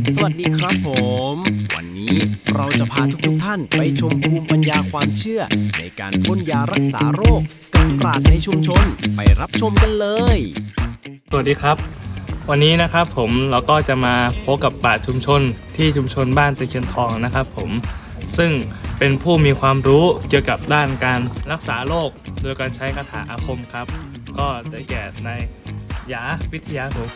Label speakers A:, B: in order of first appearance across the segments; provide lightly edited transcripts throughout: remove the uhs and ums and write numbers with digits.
A: สวัสดีครับผมวันนี้เราจะพาทุกท่านไปชมภูมิปัญญาความเชื่อในการพ่นยารักษาโรคกับปราชญ์ในชุมชนไปรับชมกันเลย
B: สวัสดีครับวันนี้นะครับผมเราก็จะมาพบกับปราชญ์ชุมชนที่ชุมชนบ้านตะเคียนทองนะครับผมซึ่งเป็นผู้มีความรู้เกี่ยวกับด้านการรักษาโรคโดยการใช้คาถาอาคมครับก็ได้แก่นายหยาวิทยาผม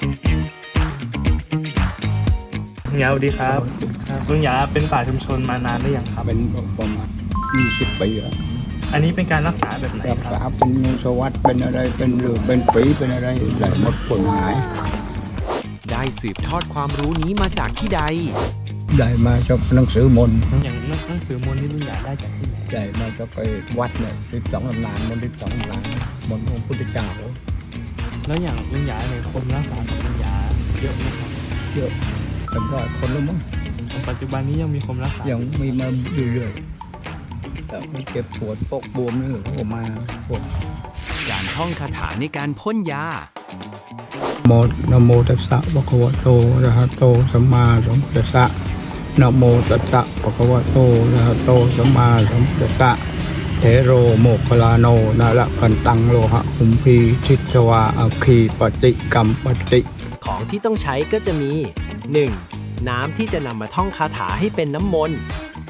B: ลุงหยาสวัสดีครับลุงหยาเป็นปราชญ์ชุมชนมานานหรือยังครับ
C: เป็นประมาณ20 ปีแล้ว
B: อันนี้เป็นการรักษาแบบไหน
C: รัก
B: ครับ
C: ษาเป็นสวัสดเป็นอะไรเป็นหรือเป็นฝีเป็นอะไรได้หมดผลหาย
A: ได้สืบทอดความรู้นี้มาจากที่ใด
C: ได้มาจากหนังสือมนต์
B: อย่างหนังสือมนต์ที่ลุงหยาได้จากที่ไหน
C: ได้มาจากไปวัดเนี่ย12 ตำนานมนต์12 ตำนานมนต์ของพุทธเจ้า
B: แล้วอย่างลุงหยาเนี่ยคนรักษากับลุงหยาเยอะไหมครับ
C: เยอะเป็นร้อยคนแล้วมั้ง
B: ปัจจุบันนี้ยังมีคนรักษา
C: ยังมีมาเรื่อยๆแต่มันเจ็บปวดปกบวมนี่เขาก็มาปวด
A: การท่องคาถาในการพ่นยา
C: นะโมตัสสะภะคะวะโตอะระหะโตสัมมาสัมพุทธัสสะนะโมตัสสะภะคะวะโตอะระหะโตสัมมาสัมพุทธัสสะเทโรโมคคลาโนนะละกันตังโลหะคุมพีทิชวาอัคคีปฏิกัมปติ
A: ของที่ต้องใช้ก็จะมี 1. น้ำที่จะนำมาท่องคาถาให้เป็นน้ำมนต์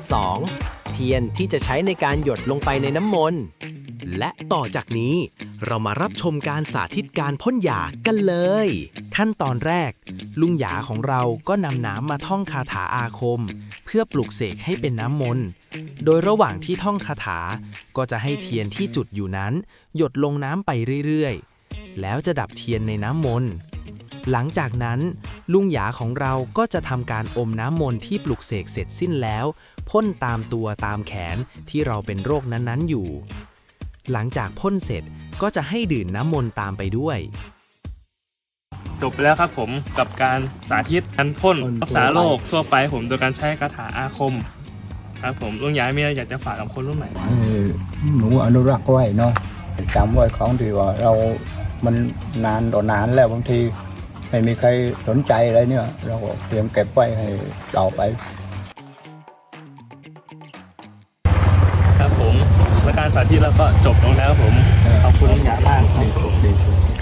A: 2. เทียนที่จะใช้ในการหยดลงไปในน้ำมนต์และต่อจากนี้เรามารับชมการสาธิตการพ่นยากันเลย ขั้นตอนแรก ลุงหยาของเราก็นำน้ำมาท่องคาถาอาคม เพื่อปลุกเสกให้เป็นน้ำมนต์โดยระหว่างที่ท่องคาถาก็จะให้เทียนที่จุดอยู่นั้นหยดลงน้ำไปเรื่อยๆแล้วจะดับเทียนในน้ำมนต์หลังจากนั้นลุงหยาของเราก็จะทำการอมน้ำมนต์ที่ปลุกเสกเสร็จสิ้นแล้วพ่นตามตัวตามแขนที่เราเป็นโรคนั้นๆอยู่หลังจากพ่นเสร็จก็จะให้ดื่มน้ำมนต์ตามไปด้วยจบไปแล้วครับผมกับการสาธิตการพ่นรักษาโรคทั่วไปผมโดยการใช้คาถาอาคมครับผมลุงหยามีอะไรอยากจะฝากกับคนรุ่นใหม่
C: ให้หนูอนุรักษ์ไว้เนาะจำไว้ของที่ว่าเรามันนานต่อนานแล้วบางทีไม่มีใครสนใจอะไรเนี่ยเราก็เตรียมเก็บไว้ให้ต่อไป
B: ครับผมและการสาธิตแล้วก็จบลงแล้วครับผมขอบคุณลุงหยามากครับ
C: ดี